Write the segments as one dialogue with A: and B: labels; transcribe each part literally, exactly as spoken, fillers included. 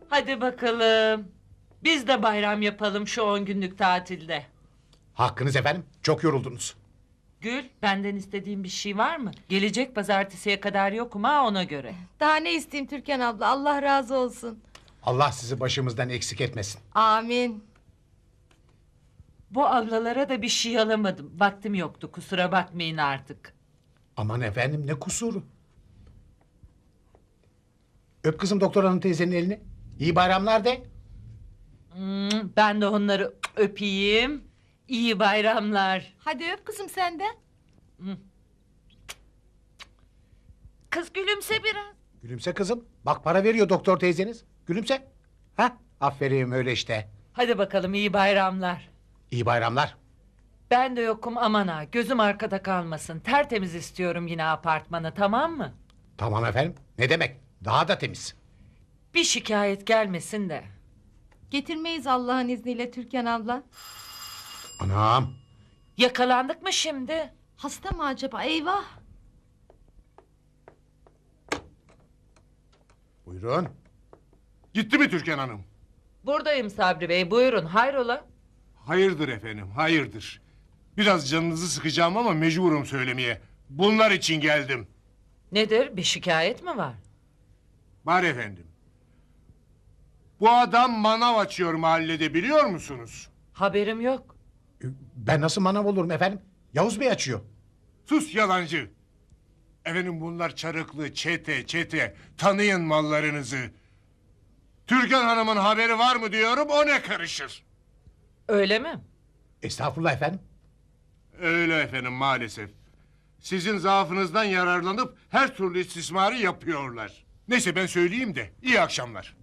A: Hadi bakalım. Biz de bayram yapalım şu on günlük tatilde.
B: Hakkınız efendim. Çok yoruldunuz.
A: Gül, benden istediğin bir şey var mı? Gelecek pazartesiye kadar yokum ha, ona göre.
C: Daha ne isteyeyim Türkan abla, Allah razı olsun.
B: Allah sizi başımızdan eksik etmesin.
C: Amin.
A: Bu ablalara da bir şey alamadım. Vaktim yoktu, kusura bakmayın artık.
B: Aman efendim, ne kusuru. Öp kızım doktor hanım teyzenin elini. İyi bayramlar de.
A: Hmm, ben de onları öpeyim. İyi bayramlar.
C: Hadi öp kızım sen de.
A: Kız gülümse biraz.
B: Gülümse kızım. Bak para veriyor doktor teyzeniz. Gülümse. Ha? Aferin, öyle işte.
A: Hadi bakalım, iyi bayramlar.
B: İyi bayramlar.
A: Ben de yokum, aman ha, gözüm arkada kalmasın. Tertemiz istiyorum yine apartmanı, tamam mı?
B: Tamam efendim. Ne demek? Daha da temiz.
A: Bir şikayet gelmesin de.
C: Getirmeyiz Allah'ın izniyle Türkan abla.
B: Anam.
A: Yakalandık mı şimdi?
C: Hasta mı acaba? Eyvah.
B: Buyurun.
D: Gitti mi Türkan Hanım?
A: Buradayım Sabri Bey, buyurun, hayrola?
D: Hayırdır efendim, hayırdır. Biraz canınızı sıkacağım ama mecburum söylemeye. Bunlar için geldim.
A: Nedir, bir şikayet mi var?
D: Var efendim. Bu adam manav açıyor mahallede, biliyor musunuz?
A: Haberim yok.
B: Ben nasıl manav olurum efendim? Yavuz Bey açıyor.
D: Sus yalancı. Efendim bunlar çarıklı, çete, çete. Tanıyın mallarınızı. Türkan Hanım'ın haberi var mı diyorum, o ne karışır?
A: Öyle mi?
B: Estağfurullah efendim.
D: Öyle efendim maalesef. Sizin zaafınızdan yararlanıp her türlü istismarı yapıyorlar. Neyse ben söyleyeyim de iyi akşamlar.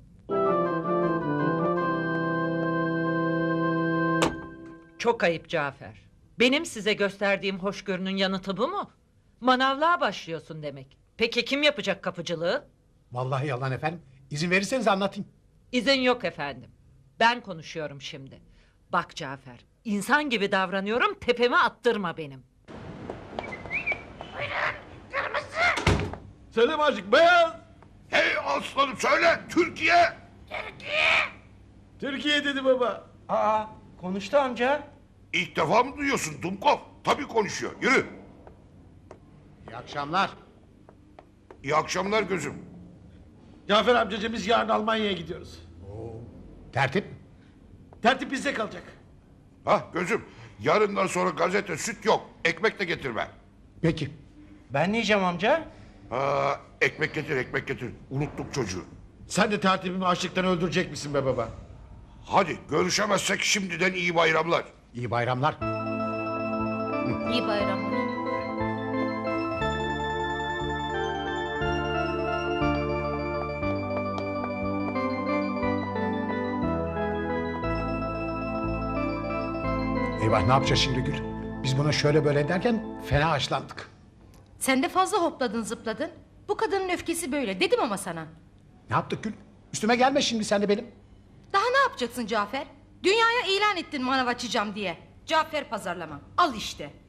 A: Çok ayıp Cafer. Benim size gösterdiğim hoşgörünün yanıtı bu mu? Manavlığa başlıyorsun demek. Peki kim yapacak kapıcılığı?
B: Vallahi yalan efendim. İzin verirseniz anlatayım.
A: İzin yok efendim. Ben konuşuyorum şimdi. Bak Cafer, insan gibi davranıyorum, tepeme attırma benim.
E: Selim Aşık beyaz.
F: Hey aslanım söyle Türkiye.
E: Türkiye dedi baba.
G: Aa, konuştu amca.
F: İlk defa mı duyuyorsun Dumkov? Tabii konuşuyor. Yürü.
B: İyi akşamlar.
F: İyi akşamlar gözüm.
E: Cafer amcacığım biz yarın Almanya'ya gidiyoruz.
B: Tertip.
E: Tertip bizde kalacak.
F: Hah gözüm. Yarından sonra gazete süt yok. Ekmek de getirme.
B: Peki.
G: Ben ne yiyeceğim amca?
F: Ha, ekmek getir ekmek getir. Unuttuk çocuğu.
E: Sen de tertibimi açlıktan öldürecek misin be baba?
F: Hadi görüşemezsek şimdiden iyi bayramlar.
B: İyi bayramlar.
C: İyi bayramlar.
B: Eyvah, ne yapacağız şimdi Gül? Biz buna şöyle böyle derken fena haşlandık.
C: Sen de fazla hopladın zıpladın. Bu kadının öfkesi böyle dedim ama sana.
B: Ne yaptık Gül? Üstüme gelme şimdi sen de benim.
C: Daha ne yapacaksın Cafer? Dünyaya ilan ettin manav açacağım diye. Cafer pazarlama. Al işte.